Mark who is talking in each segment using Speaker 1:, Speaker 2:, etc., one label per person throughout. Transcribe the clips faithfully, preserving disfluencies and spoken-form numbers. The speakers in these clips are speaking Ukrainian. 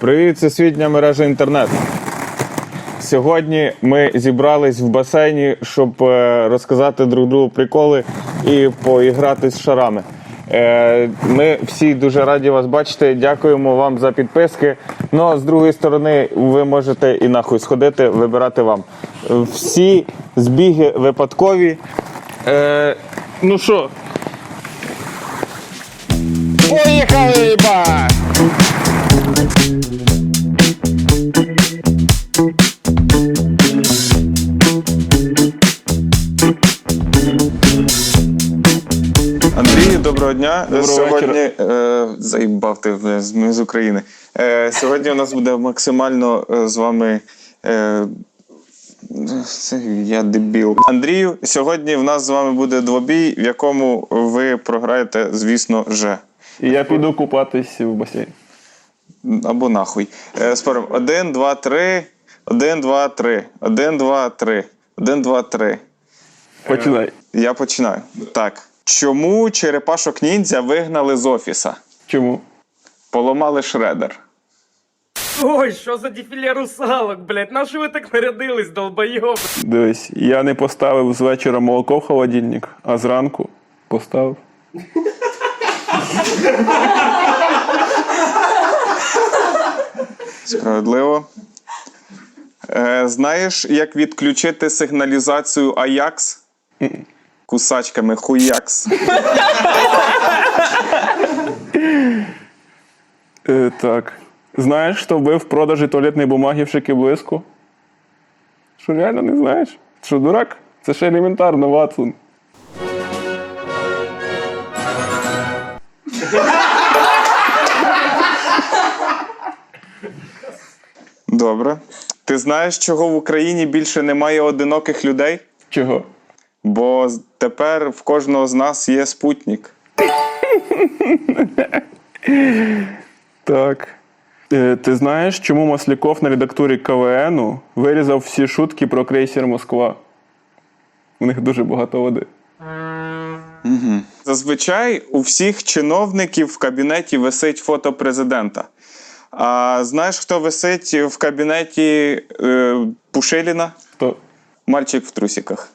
Speaker 1: Привіт, всесвітня мережа інтернет. Сьогодні ми зібрались в басейні, щоб розказати друг другу приколи і поіграти з шарами. Ми всі дуже раді вас бачити, дякуємо вам за підписки. Ну, а з другої сторони, ви можете і нахуй сходити, вибирати вам. Всі збіги випадкові. Е, ну що? Поїхали, ба! Андрій, доброго дня.
Speaker 2: Доброго
Speaker 1: Сьогодні е, заїбав ти, ми з України. Е, сьогодні у нас буде максимально е, з вами. Е, я дебіл. Андрію, сьогодні в нас з вами буде двобій, в якому ви програєте, звісно, же.
Speaker 2: І я піду купатись в басейн.
Speaker 1: Або нахуй. Е, спорим. Один, два, три. Один, два, три. Один, два, три. Один, два, три.
Speaker 2: Починай.
Speaker 1: Е, я починаю. Так. Чому черепашок ніндзя вигнали з офіса?
Speaker 2: Чому?
Speaker 1: Поламали шредер.
Speaker 3: Ой, що за дефіле русалок, блядь? На що ви так нарядились, долбойоб?
Speaker 2: Дивись, я не поставив з вечора молоко в холодильник, а зранку поставив.
Speaker 1: Справедливо. Е, знаєш, як відключити сигналізацію Аякс? Кусачками хуякс.
Speaker 2: Е, так. Знаєш, хто вбив в продажі туалетної бумаги в Шики-Блиску? Що, реально не знаєш? Що, дурак? Це ще елементарно, Ватсон.
Speaker 1: Добре. Ти знаєш, чого в Україні більше немає одиноких людей?
Speaker 2: Чого?
Speaker 1: Бо тепер в кожного з нас є спутник.
Speaker 2: Так. Е, ти знаєш, чому Масляков на редактурі КВНу вирізав всі шутки про крейсер Москва? У них дуже багато води.
Speaker 1: Угу. Зазвичай у всіх чиновників в кабінеті висить фото президента. А знаєш, хто висить в кабінеті е, Пушиліна?
Speaker 2: Хто?
Speaker 1: Мальчик в трусиках.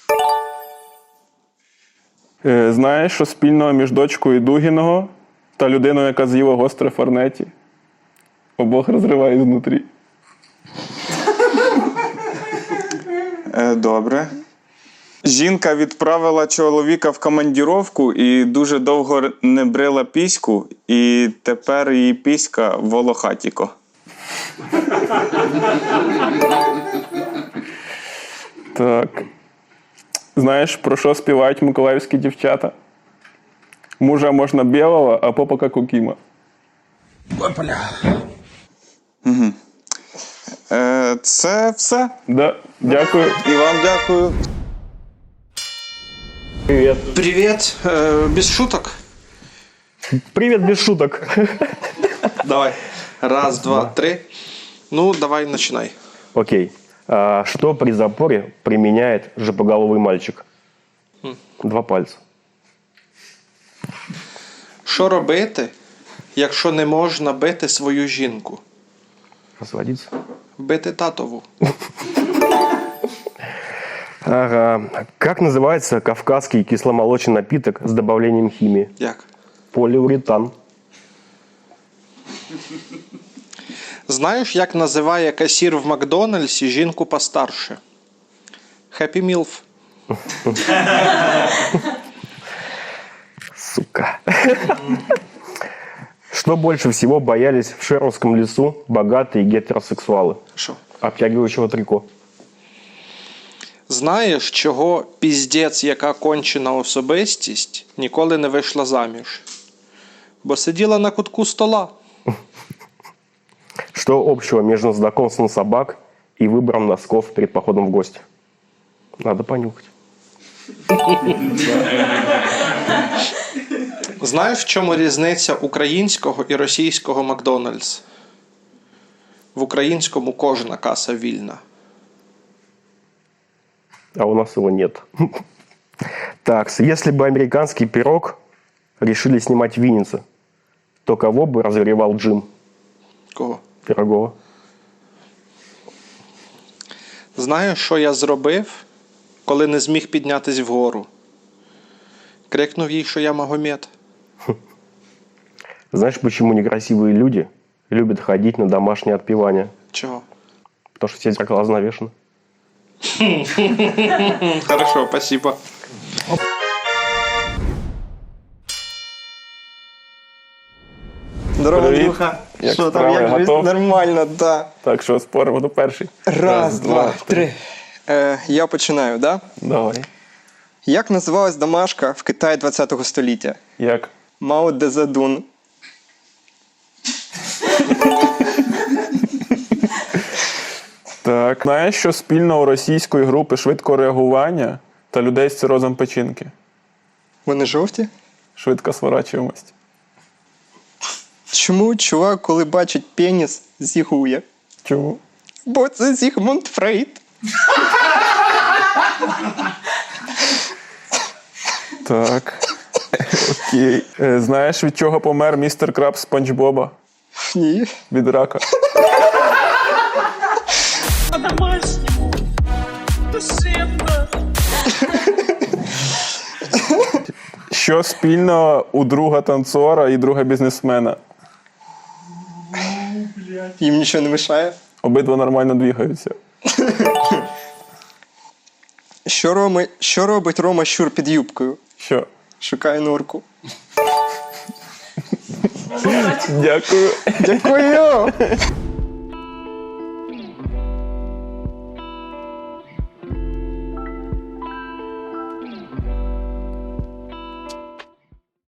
Speaker 2: Е, знаєш, що спільного між дочкою Дугіного та людиною, яка з'їла гостре форнеті? Обох розриває знутрі.
Speaker 1: Е, добре. Жінка відправила чоловіка в командіровку і дуже довго не брила піську, і тепер її піська волохатіко.
Speaker 2: Так. Знаєш, про що співають миколаївські дівчата? Мужа можна білого, а попа як у Кіма.
Speaker 1: Угу. Е, це все.
Speaker 2: Да, дякую.
Speaker 1: І вам дякую.
Speaker 4: Привет. Привет. Э, без шуток?
Speaker 5: Привет, без шуток.
Speaker 4: Давай. Раз, два, три. Ну, давай, начинай.
Speaker 5: Окей. А, что при запоре применяет жопоголовый мальчик? Два пальца.
Speaker 4: Що робити, якщо не можна бити свою жінку?
Speaker 5: Разводиться.
Speaker 4: Бити татову.
Speaker 5: Ага. Как называется кавказский кисломолочный напиток с добавлением химии?
Speaker 4: Як?
Speaker 5: Полиуретан.
Speaker 4: Знаєш, як називає касір в Макдональдсі жінку постарше? Happy Milf.
Speaker 5: Сука. Что больше всего боялись в Шеровском лесу богатые гетеросексуалы?
Speaker 4: Що?
Speaker 5: Обтягивающего трико.
Speaker 4: Знаєш, чого піздець, яка кончена особистість, ніколи не вийшла заміж? Бо сиділа на кутку стола.
Speaker 5: Что общего между знакомством собак и выбором носков перед походом в гости? Надо понюхать.
Speaker 4: Знаєш, в чому різниця українського і російського Макдональдс? В українському кожна каса вільна.
Speaker 5: А у нас его нет. Так, если бы американский пирог решили снимать в Виннице, то кого бы разогревал Джим?
Speaker 4: Кого?
Speaker 5: Пирогова.
Speaker 4: Знаєш, що я зробив, коли не зміг піднятись вгору? Крикнув їй, що я Магомед.
Speaker 5: Знаешь, почему некрасивые люди любят ходить на домашнее отпевание?
Speaker 4: Чого?
Speaker 5: Потому что все зеркала занавешены.
Speaker 4: Хорошо, спасибо.
Speaker 6: Здорово,
Speaker 2: Привіт.
Speaker 6: Андрюха.
Speaker 2: Як
Speaker 6: Що там,
Speaker 2: справи?
Speaker 6: як жизнь?
Speaker 2: Готов?
Speaker 6: Нормально, да.
Speaker 2: Так, що, споримо до перший?
Speaker 6: Раз, два, три. Е, я починаю, да?
Speaker 2: Давай.
Speaker 6: Як називалась домашка в Китаї ХХ століття?
Speaker 2: Як?
Speaker 6: Мао Дезадун.
Speaker 2: Так. Знаєш, що спільно у російської групи швидкого реагування та людей з цирозом печінки?
Speaker 6: Вони жовті?
Speaker 2: Швидка сворачуємость.
Speaker 6: Чому чувак, коли бачить пеніс, зігує?
Speaker 2: Чому?
Speaker 6: Бо це Зігмунд Фрейд.
Speaker 2: Так. Окей. Е, Знаєш, від чого помер містер Краб з Спанч Боба?
Speaker 6: Ні.
Speaker 2: Від рака.
Speaker 3: По-домашнему. Душевно.
Speaker 2: Що спільно у друга танцора і друга бізнесмена?
Speaker 6: Їм нічого не мішає.
Speaker 2: Обидва нормально двігаються.
Speaker 6: Що, Роми... Що робить Рома Щур під юбкою?
Speaker 2: Що?
Speaker 6: Шукає норку.
Speaker 2: Дякую.
Speaker 6: Дякую!